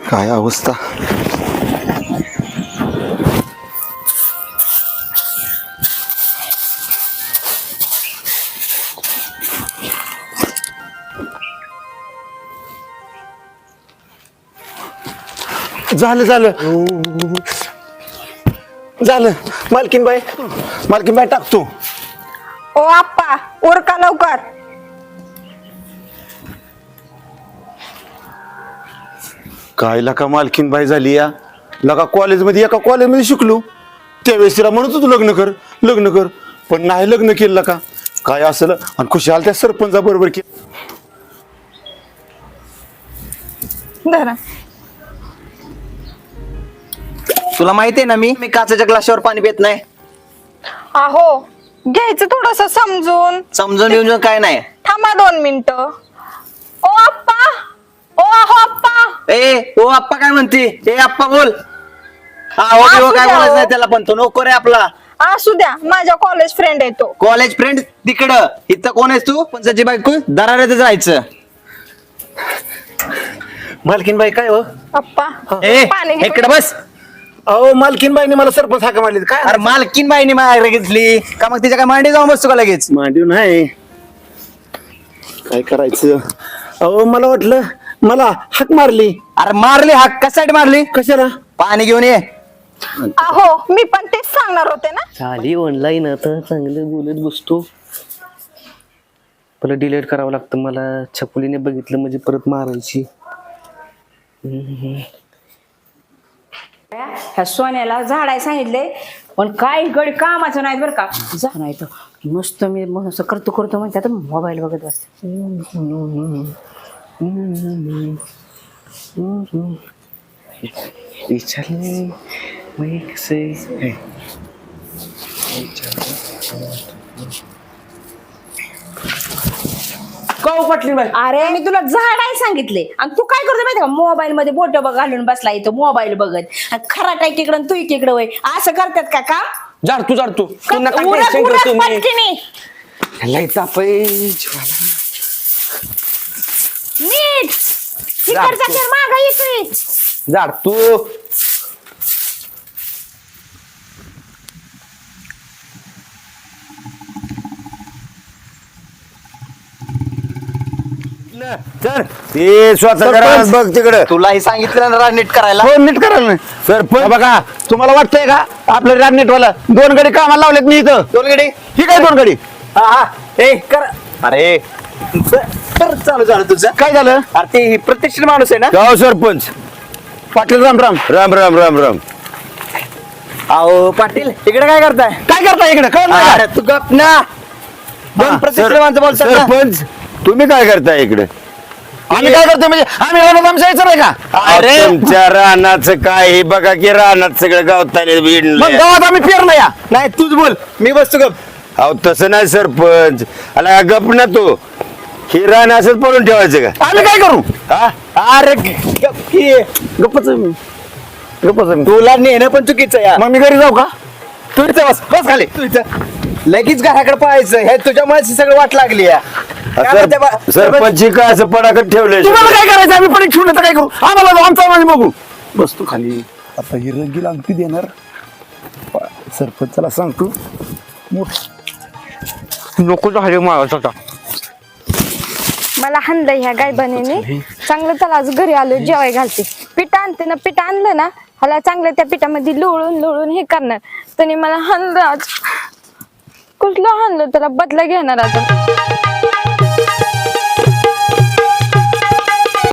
काय अवस्था. झालं झालं झालं. मालकीनबाई टाकतो. ओ आप्पा उरका लवकर. काय लका मालकीनबाई झाली या. लका कॉलेजमध्ये एका कॉलेजमध्ये शिकलो त्यावेळेस तिला म्हणत होतो लग्न कर लग्न कर, पण नाही लग्न केलं का काय असलं. आणि खुशाल त्या सरपंचा बरोबर की धरा. तुला माहिती आहे ना मी काचेच्या ग्लासावर पाणी पित नाही. अहो घ्यायचं थोडस समजून. समजून येऊन काय नाही. थांबा 2 मिनिटं. ओ आप्पा, ओ आहो आप्पा. ओ आप्पा काय म्हणते. आप्पा बोल. हो काय बोलायचं नाही त्याला, पण तो नको रे आपला. असू द्या, माझ्या कॉलेज फ्रेंड आहे तो. कॉलेज फ्रेंड तिकडं, इथं कोण आहेस तू. पंचाची बायको दराऱ्यातच राहायचं. मालकीनबाई काय हो. आप्पा पाणी घे. इकडे बस. अहो मालकीनबाईने मला सरपंच हाका मारली. काय अरे मालकीन बाईने माझ्याकडे घेतली का, मग तिच्या काय मांडी जाऊन बसतो का लगेच. मांडीव नाही काय करायचं. अहो मला वाटलं मला हाक मारली. अरे मारली हाक कशासाठी मारली. कशाला. पाणी घेऊन ये. अहो मी पण तेच सांगणार होते ना. झाली ऑनलाईन आता चांगलं बोलत बसतो. परत डिलीट करावं लागतं मला. छकुलीने बघितलं म्हणजे परत मारायची. ह्या सोन्याला झाडाय सांगितले, पण काही गडी कामाचं नाही बरं का. जा नाही तर मस्त मी मस्त करतो करतो म्हणते, आता मोबाईल बघत बसते. विचारले मी कसे पटली बाई. अरे मी तुला झाडाय सांगितले आणि तू काय करतो माहिती का, मोबाईल मध्ये बोट घालून बसला इथं मोबाईल बघत. आणि खरा टाय तिकडं तू इकडं वय असं करतात का काम. जाडतो तू नका उरक, टेन्शन उरक घेऊ तुम्ही. पटकीने. लय तापय जीवाला. नीट तिकडचा खेळ मागा येतोय. जाडतो. सर ते स्वतः बघ तिकडं. तुलाही सांगितलं ना नीट करायला. हो नीट करा ना सरपंच. बघा तुम्हाला वाटतंय का आपलं राजनेट वाला 2 गडी कामाला लावलेत मी इथं. 2 गडी. ही काय 2 गडी. कर. अरे कर चालू झालं तुझं. काय झालं. अरे ते प्रतिष्ठित माणूस आहे ना. गाव सरपंच पाटील राम राम राम राम राम राम. अहो पाटील इकडे काय करताय. काय करता इकडे. काय नाही. अरे तू गप ना. दोन प्रतिष्ठित माणसं बोलतात ना. सरपंच तुम्ही काय करताय इकडे. आम्ही काय करतो म्हणजे आम्ही रानात आमच्या यायचं नाही का. अरे तुमच्या रानाचं काय हे बघा की रानात सगळं गावताने मग गावात आम्ही पेरलं या. नाही तूच बोल मी बसतो गप. अहो तसं नाही सरपंच. आला गप ना तू. ही रान असंच पडून ठेवायचं का. आम्ही काय करू. अरे गप की. गप्पच तुला नेणं पण चुकीचं या. मग मी घरी जाऊ का. तू इथं बस बस खाली. तू इथं लगेच घराकडे पाहायचं. हे तुझ्या मनाची सगळं वाट लागली या. काय म्हणते बा- सरपंच काय असं पडाकत ठेवलंय. तुम्हाला काय करायचं आम्ही पडीक ठेवलं तर काय करू. आम्हाला जाऊ, आमचा आम्ही बघू. बसतो खाली. आता ही रंगीला अंगठी देणार सरपंचाला सांगतो. नको झाले मला. मला हाणलं ह्या गायबाने. चांगलं त्याला आज घरी आलो जेवाय घालते. पीठ आणते ना, पीठ आणलं ना ह्याला चांगलं त्या पिठामध्ये लोळून लोळून हे करणार. त्याने मला हाणलं आज. कुठलं हाणलं त्याला बदला घेणार आता.